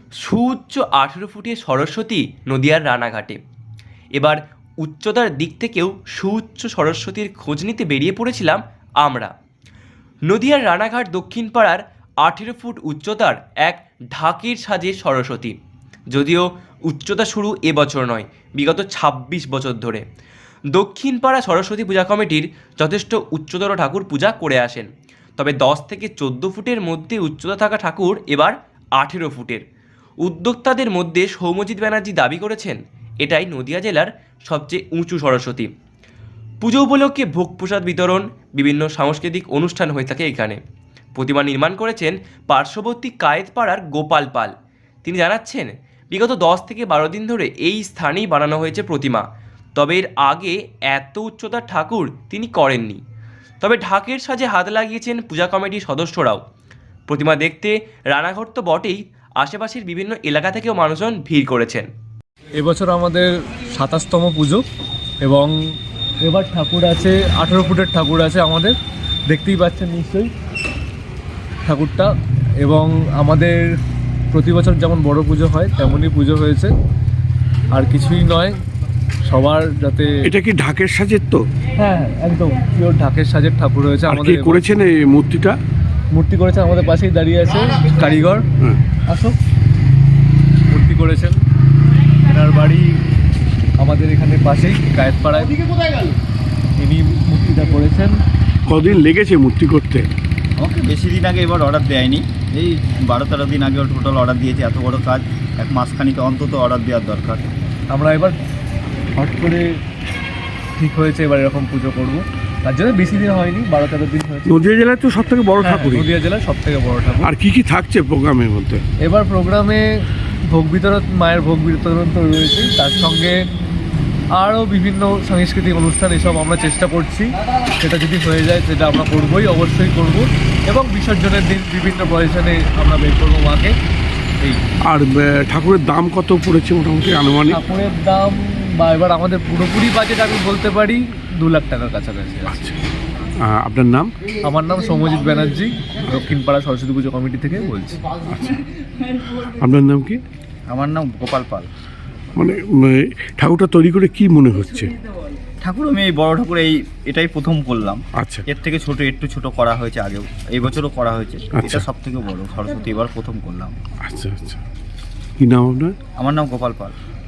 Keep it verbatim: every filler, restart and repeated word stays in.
সুউচ্চ আঠেরো ফুটের সরস্বতী নদিয়ার রানাঘাটে। এবার উচ্চতার দিক থেকেও সুউচ্চ সরস্বতীর খোঁজ নিতে বেরিয়ে পড়েছিলাম আমরা। নদিয়ার রানাঘাট দক্ষিণ পাড়ার আঠেরো ফুট উচ্চতার এক ঢাকের সাজে সরস্বতী। যদিও উচ্চতা শুরু এবছর নয়, বিগত ছাব্বিশ বছর ধরে দক্ষিণ পাড়া সরস্বতী পূজা কমিটির যথেষ্ট উচ্চতর ঠাকুর পূজা করে আসেন। তবে দশ থেকে চোদ্দো ফুটের মধ্যে উচ্চতা থাকা ঠাকুর এবার আঠেরো ফুটের। উদ্যোক্তাদের মধ্যে সৌম্যজিৎ ব্যানার্জি দাবি করেছেন এটাই নদিয়া জেলার সবচেয়ে উঁচু সরস্বতী। পুজো উপলক্ষে ভোগ প্রসাদ বিতরণ, বিভিন্ন সাংস্কৃতিক অনুষ্ঠান হয়ে থাকে এখানে। প্রতিমা নির্মাণ করেছেন পার্শ্ববর্তী কায়েতপাড়ার গোপাল পাল। তিনি জানাচ্ছেন বিগত দশ থেকে বারো দিন ধরে এই স্থানেই বানানো হয়েছে প্রতিমা। তবে এর আগে এত উচ্চতার ঠাকুর তিনি করেননি। তবে ঢাকের সাজে হাত লাগিয়েছেন পূজা কমিটির সদস্যরাও। প্রতিমা দেখতে রানাঘাট তো বটেই, আশেপাশের বিভিন্ন এলাকা থেকেও মানুষজন ভিড় করেছেন। এবছর আমাদের সাতাশতম পুজো এবং এবার ঠাকুর আছে আঠেরো ফুটের ঠাকুর আছে আমাদের, দেখতেই পাচ্ছেন নিশ্চয়ই ঠাকুরটা। এবং আমাদের প্রতি বছর যেমন বড় পুজো হয় তেমনই পুজো হয়েছে, আর কিছুই নয়। সবার যাতে এটা কি ঢাকের সাজের তো? হ্যাঁ একদম পিওর ঢাকের সাজের ঠাকুর হয়েছে আমাদের। কে করেছেন এই মূর্তিটা? মূর্তি করেছে আমাদের পাশেই দাঁড়িয়ে আছে কারিগর। হ্যাঁ, আসো। মূর্তি করেছেন, এনার বাড়ি আমাদের এখানে পাশেই কায়েতপাড়ায়। ইনি মূর্তিটা করেছেন। কদিন লেগেছে মূর্তি করতে? আমাকে বেশি দিন আগে এবার অর্ডার দেয়নি, এই বারো তেরো দিন আগে টোটাল অর্ডার দিয়েছে। এত বড় কাজ এক মাসখানিক অন্তত অর্ডার দেওয়ার দরকার। আমরা এবার হট করে ঠিক হয়েছে এবার এরকম পুজো করব, তার জন্য বেশি দিন হয়নি, বারো তেরো দিন হয়েছে। নদিয়া জেলায় তো সব থেকে বড় ঠাকুর। নদিয়া জেলার সব থেকে বড় ঠাকুর। আর কি কি থাকছে প্রোগ্রামের মধ্যে? এবার প্রোগ্রামে ভোগ বিতরণ, মায়ের ভোগ বিতরণ তো রয়েছে, তার সঙ্গে আরও বিভিন্ন সাংস্কৃতিক অনুষ্ঠান এসব আমরা চেষ্টা করছি। সেটা যদি হয়ে যায় সেটা আমরা করবই, অবশ্যই করব। এবং বিসর্জনের দিন বিভিন্ন প্রয়োজনে আমরা বের করবো মাকে। এই আর ঠাকুরের দাম কত পড়েছে মোটামুটি আনুমানিক? ঠাকুরের দাম বা এবার আমাদের পুরোপুরি বাজেট আমি বলতে পারি দু লাখ টাকার কাছাকাছি আছে। আচ্ছা, আপনার নাম? আমার নাম সৌম্যজিৎ ব্যানার্জি, দক্ষিণপাড়া সরস্বতী পুজো কমিটি থেকে বলছি। আচ্ছা, আপনার নাম কি? আমার নাম গোপাল পাল। মানে ঠাকুরটা তৈরি করে কি মনে হচ্ছে? ঠাকুর আমি এই বড় ঠাকুর এই এটাই প্রথম করলাম। আচ্ছা, এর থেকে ছোট একটু ছোট করা হয়েছে আগেও, এই বছরও করা হয়েছে। আচ্ছা। এটা সব থেকে বড় সরস্বতী এবার প্রথম করলাম। আচ্ছা আচ্ছা। কি নাম আপনার? আমার নাম গোপাল পাল।